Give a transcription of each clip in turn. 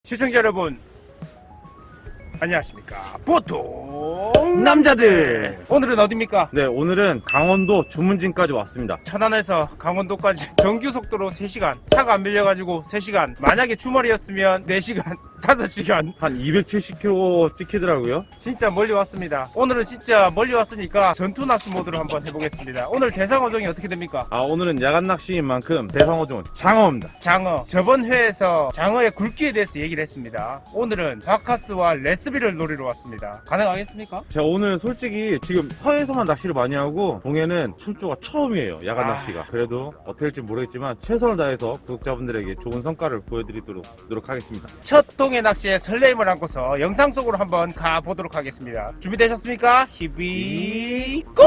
시청자 여러분 안녕하십니까. 보통 남자들. 오늘은 어디입니까? 네, 오늘은 강원도 주문진까지 왔습니다. 천안에서 강원도까지 정규속도로 3시간, 차가 안 밀려가지고 3시간, 만약에 주말이었으면 4시간, 5시간. 한 270km 찍히더라고요. 진짜 멀리 왔습니다. 오늘은 진짜 멀리 왔으니까 전투 낚시 모드로 한번 해보겠습니다. 오늘 대상어종이 어떻게 됩니까? 오늘은 야간 낚시인 만큼 대상어종은 장어입니다. 장어. 저번 회에서 장어의 굵기에 대해서 얘기를 했습니다. 오늘은 바카스와 레스비를 노리러 왔습니다. 가능하겠습니까? 제가 오늘 솔직히 지금 서해에서만 낚시를 많이 하고 동해는 출조가 처음이에요. 야간 낚시가. 그래도 어떻게 될지 모르겠지만 최선을 다해서 구독자분들에게 좋은 성과를 보여드리도록 하겠습니다. 첫 동해 낚시의 설레임을 안고서 영상 속으로 한번 가보도록 하겠습니다. 준비되셨습니까? 히비 고!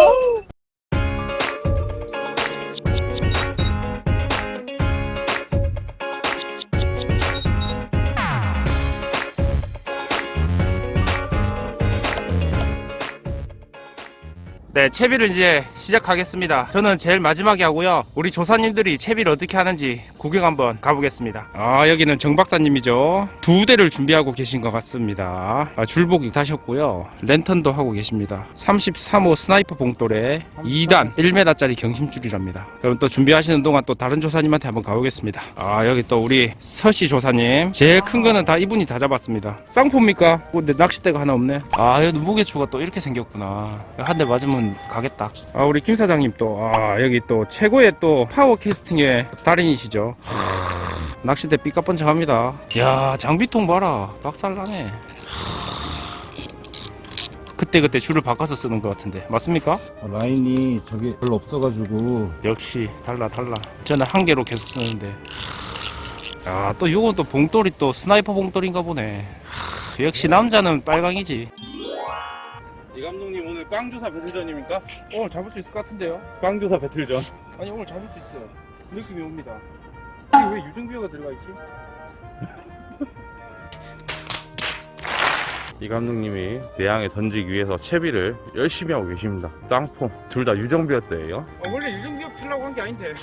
네, 채비를 이제 시작하겠습니다. 저는 제일 마지막에 하고요. 우리 조사님들이 채비를 어떻게 하는지 구경 한번 가보겠습니다. 여기는 정 박사님이죠. 2대를 준비하고 계신 것 같습니다. 줄복 입다셨고요. 랜턴도 하고 계십니다. 33호 스나이퍼 봉돌에 2단 1m짜리 경심줄이랍니다. 그럼 또 준비하시는 동안 또 다른 조사님한테 한번 가보겠습니다. 여기 또 우리 서씨 조사님. 제일 큰 거는 다 이분이 다 잡았습니다. 쌍포입니까? 근데 낚싯대가 하나 없네. 여기 무게추가 또 이렇게 생겼구나. 한 대 맞으면 가겠다. 우리 김 사장님 또 여기 또 최고의 또 파워 캐스팅의 달인이시죠. 낚싯대 삐까뻔쩍합니다. 야, 장비통 봐라. 박살나네. 그때 줄을 바꿔서 쓰는 것 같은데 맞습니까? 라인이 저게 별로 없어가지고. 역시 달라. 저는 한 개로 계속 쓰는데. 또 요건 또 봉돌이 또 스나이퍼 봉돌인가 보네. 역시 남자는 빨강이지. 이 감독님 오늘 꽝조사 배틀전입니까? 오늘 잡을 수 있을 것 같은데요? 꽝조사 배틀전. 아니, 오늘 잡을 수 있어요. 느낌이 옵니다. 이게 왜 유증비어가 들어가 있지? 이 감독님이 내양에 던지기 위해서 채비를 열심히 하고 계십니다. 쌍폼 둘 다 유정비였대요. 원래 유증비어 피려고 한 게 아닌데.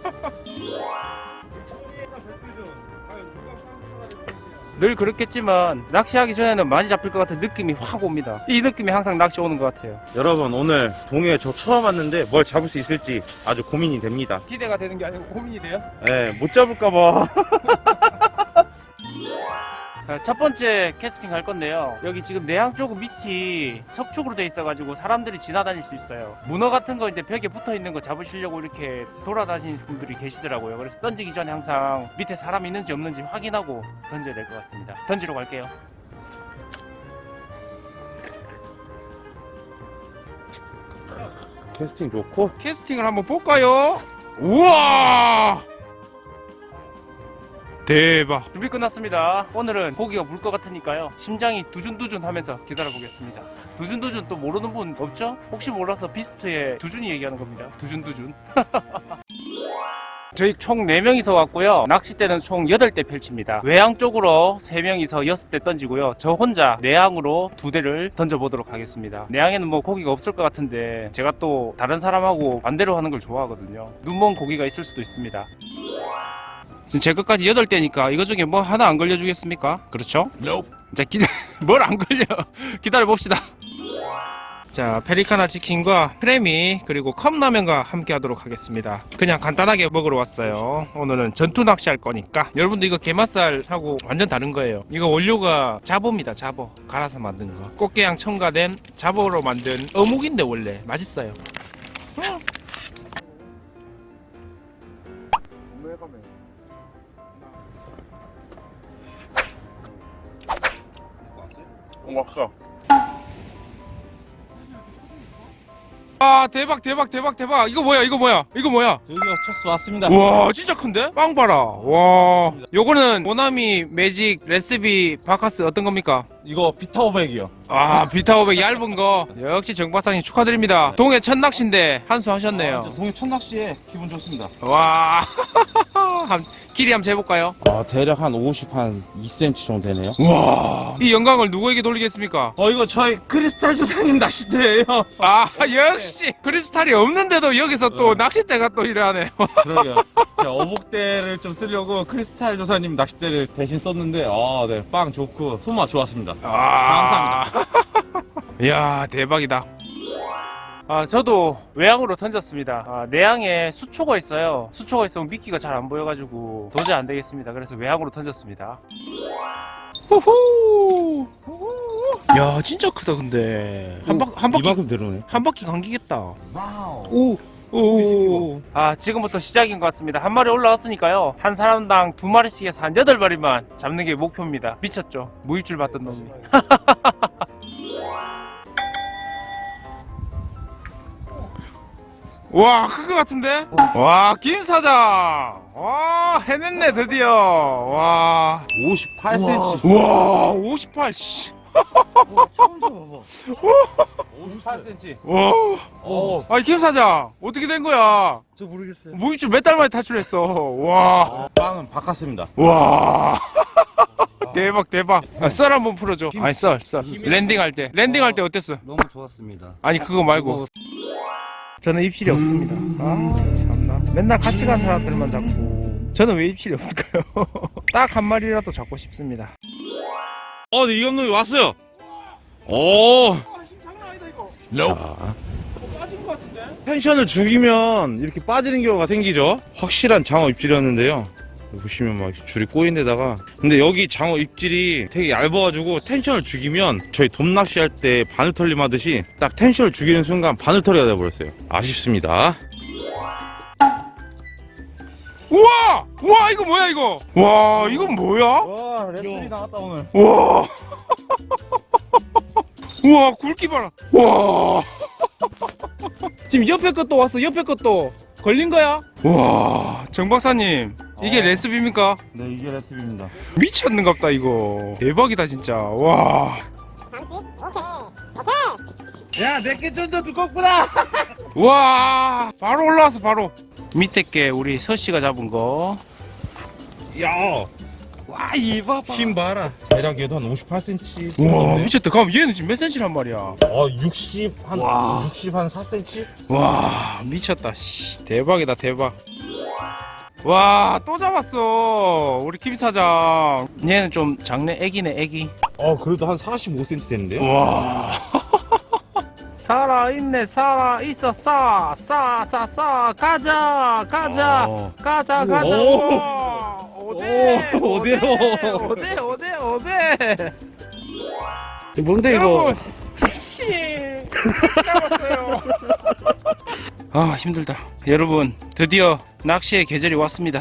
늘 그렇겠지만 낚시하기 전에는 많이 잡힐 것 같은 느낌이 확 옵니다. 이 느낌이 항상 낚시 오는 것 같아요. 여러분 오늘 동해 저 처음 왔는데 뭘 잡을 수 있을지 아주 고민이 됩니다. 기대가 되는 게 아니고 고민이 돼요. 못 잡을까봐. 첫 번째 캐스팅 할 건데요. 여기 지금 내양 쪽 밑이 석축으로 돼 있어가지고 사람들이 지나다닐 수 있어요. 문어 같은 거 이제 벽에 붙어 있는 거 잡으시려고 이렇게 돌아다니는 분들이 계시더라고요. 그래서 던지기 전에 항상 밑에 사람 있는지 없는지 확인하고 던져야 될 것 같습니다. 던지러 갈게요. 캐스팅 좋고. 캐스팅을 한번 볼까요? 우와! 대박. 준비 끝났습니다. 오늘은 고기가 물 것 같으니까요. 심장이 두준두준 하면서 기다려보겠습니다. 두준두준 또 모르는 분 없죠? 혹시 몰라서 비스트의 두준이 얘기하는 겁니다. 두준두준. 저희 총 4명이서 왔고요. 낚싯대는 총 8대 펼칩니다. 외양 쪽으로 3명이서 6대 던지고요. 저 혼자 내양으로 2대를 던져보도록 하겠습니다. 내양에는 뭐 고기가 없을 것 같은데 제가 또 다른 사람하고 반대로 하는 걸 좋아하거든요. 눈먼 고기가 있을 수도 있습니다. 지금 제 것까지 8대니까 이거 중에 뭐 하나 안 걸려주겠습니까? 그렇죠? 자, 뭘 안 걸려. 기다려봅시다. 자, 페리카나 치킨과 크래미 그리고 컵라면과 함께 하도록 하겠습니다. 그냥 간단하게 먹으러 왔어요. 오늘은 전투 낚시 할 거니까. 여러분들 이거 게맛살하고 완전 다른 거예요. 이거 원료가 자보입니다. 자보 갈아서 만든 거. 꽃게향 첨가된 자보로 만든 어묵인데 원래 맛있어요. 왔어. 대박. 이거 뭐야? 드디어 첫수 왔습니다. 와, 진짜 큰데? 빵 봐라. 와, 요거는 모나미 매직 레시피 바카스 어떤 겁니까? 이거 비타 500이요. 비타 500 얇은 거. 역시 정 박사님 축하드립니다. 동해 첫 낚시인데 한수 하셨네요. 동해 첫 낚시에 기분 좋습니다. 와, 길이 한번 재볼까요? 대략 한 2cm 정도 되네요. 와, 이 영광을 누구에게 돌리겠습니까? 이거 저희 크리스탈 조사님 낚싯대예요. 아, 역시 크리스탈이 없는데도 여기서 또 낚싯대가 또 이래하네. 그러게요. 제가 어복대를 좀 쓰려고 크리스탈 조사님 낚싯대를 대신 썼는데, 네, 빵 좋고 손맛 좋았습니다. 감사합니다. 이야, 대박이다. 저도 외항으로 던졌습니다. 내항에 수초가 있어요. 수초가 있으면 미끼가 잘 안 보여가지고 도저히 안 되겠습니다. 그래서 외항으로 던졌습니다. 후후. 야, 진짜 크다 근데. 한 바퀴 이만큼 들어오네. 한 바퀴 감기겠다. 오. 지금부터 시작인 것 같습니다. 한 마리 올라왔으니까요. 한 사람당 2마리씩 해서 한 8마리만 잡는 게 목표입니다. 미쳤죠? 무입줄 받던 놈이. 와, 큰 것 같은데? 와, 김 사장! 와, 해냈네, 드디어. 와. 58cm. 와, 58, 씨. 처음 잡아봐. 58cm. 와. 아니, 김 사장, 어떻게 된 거야? 저 모르겠어요. 무입줄 몇 달 만에 탈출했어. 와. 빵은 바꿨습니다. 와. 대박, 대박. 썰 한번 풀어줘. 아니, 썰. 랜딩할 때 어땠어? 너무 좋았습니다. 아니, 그거 말고. 저는 입실이 없습니다. 참나. 맨날 같이 간 사람들만 잡고. 저는 왜 입실이 없을까요? 딱 한 마리라도 잡고 싶습니다. 네, 이 감독이 왔어요. 오. 장난 아니다, 이거. 빠진 것 같은데? 텐션을 죽이면 이렇게 빠지는 경우가 생기죠. 확실한 장어 입질이었는데요. 보시면 막 줄이 꼬인 데다가, 근데 여기 장어 입질이 되게 얇아가지고 텐션을 죽이면 저희 돔낚시 할 때 바늘털림 하듯이 딱 텐션을 죽이는 순간 바늘털이가 돼버렸어요. 아쉽습니다. 우와, 이거 뭐야, 이거? 와, 이건 뭐야? 와, 레슬이 나왔다 오늘. 우와. 우와, 굵기 봐라. 와. 지금 옆에 것도 왔어, 옆에 것도. 걸린 거야? 와, 정 박사님, 이게 레시피입니까? 네, 이게 레슬입니다. 미쳤는갑다, 이거. 대박이다, 진짜. 와. 야, 내게 좀 더 두껍구나. 와, 바로 올라왔어, 바로. 밑에 게 우리 서씨가 잡은 거. 야, 와, 이봐 봐. 힘 봐라. 대략 얘도 한 58cm. 우와, 미쳤다. 그럼 얘는 지금 몇 센치란 말이야? 60 한 와. 60 한 4cm? 와, 미쳤다. 씨, 대박이다, 대박. 와, 또 잡았어. 우리 김 사장. 얘는 좀 작네. 애기네, 애기. 그래도 한 45cm 됐는데요? 와. 살아있네, 살아있어. 가자. 가자. 우와. 어데. 뭔데, 이거? 씨. 잡았어요. 힘들다. 여러분, 드디어 낚시의 계절이 왔습니다.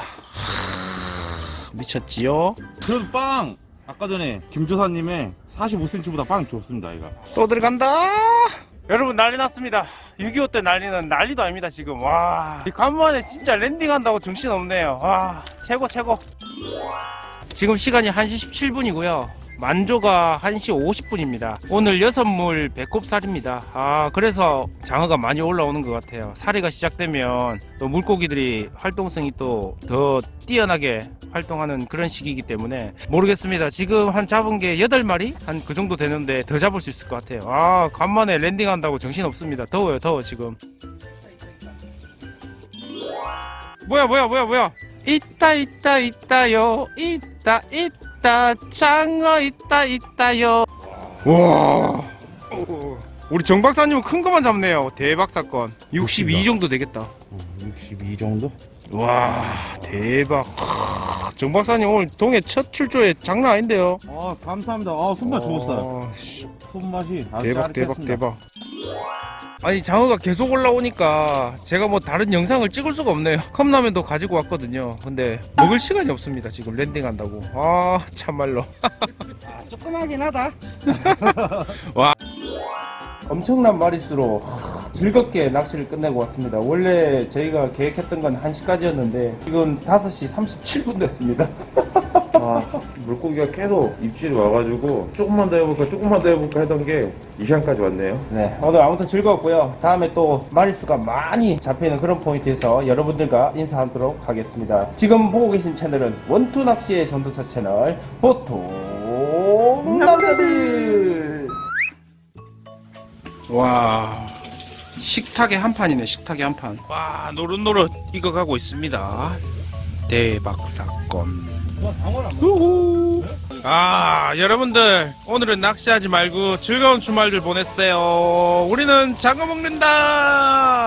미쳤지요? 그래도 빵! 아까 전에 김조사님의 45cm보다 빵 좋습니다, 이거. 또 들어간다. 여러분, 난리 났습니다. 6.25 때 난리는 난리도 아닙니다, 지금. 와, 간만에 진짜 랜딩한다고 정신없네요. 와, 최고. 지금 시간이 1시 17분이고요 만조가 1시 50분입니다 오늘 6물 배꼽살입니다. 그래서 장어가 많이 올라오는 것 같아요. 사리가 시작되면 또 물고기들이 활동성이 또 더 뛰어나게 활동하는 그런 시기이기 때문에 모르겠습니다. 지금 한 잡은 게 8마리? 한 그 정도 되는데 더 잡을 수 있을 것 같아요. 간만에 랜딩한다고 정신없습니다. 더워요, 더워 지금. 뭐야. 있다요. 있다. 장어 있다요. 와. 우리 정 박사님은 큰 거만 잡네요. 대박 사건. 62 정도 되겠다. 62 정도? 와, 대박. 정 박사님 오늘 동해 첫 출조에 장난 아닌데요. 감사합니다. 손맛 좋았어요. 손맛이 아주 짜릿했습니다. 대박. 아니, 장어가 계속 올라오니까 제가 뭐 다른 영상을 찍을 수가 없네요. 컵라면도 가지고 왔거든요. 근데 먹을 시간이 없습니다. 지금 랜딩한다고. 참말로. 조그마긴 하다. 와, 엄청난 마리수로 즐겁게 낚시를 끝내고 왔습니다. 원래 저희가 계획했던 건 1시까지였는데 지금 5시 37분 됐습니다. 물고기가 계속 입질이 와가지고 조금만 더 해볼까 조금만 더 해볼까 하던 게 이 시간까지 왔네요. 네, 오늘 아무튼 즐거웠고요. 다음에 또 마리수가 많이 잡히는 그런 포인트에서 여러분들과 인사하도록 하겠습니다. 지금 보고 계신 채널은 원투 낚시의 전도사 채널 보통 남자들. 와, 식탁의 한 판이네. 식탁의 한 판. 와, 노릇노릇 익어가고 있습니다. 대박 사건. 우후. 아, 여러분들 오늘은 낚시하지 말고 즐거운 주말들 보냈어요. 우리는 장어 먹는다.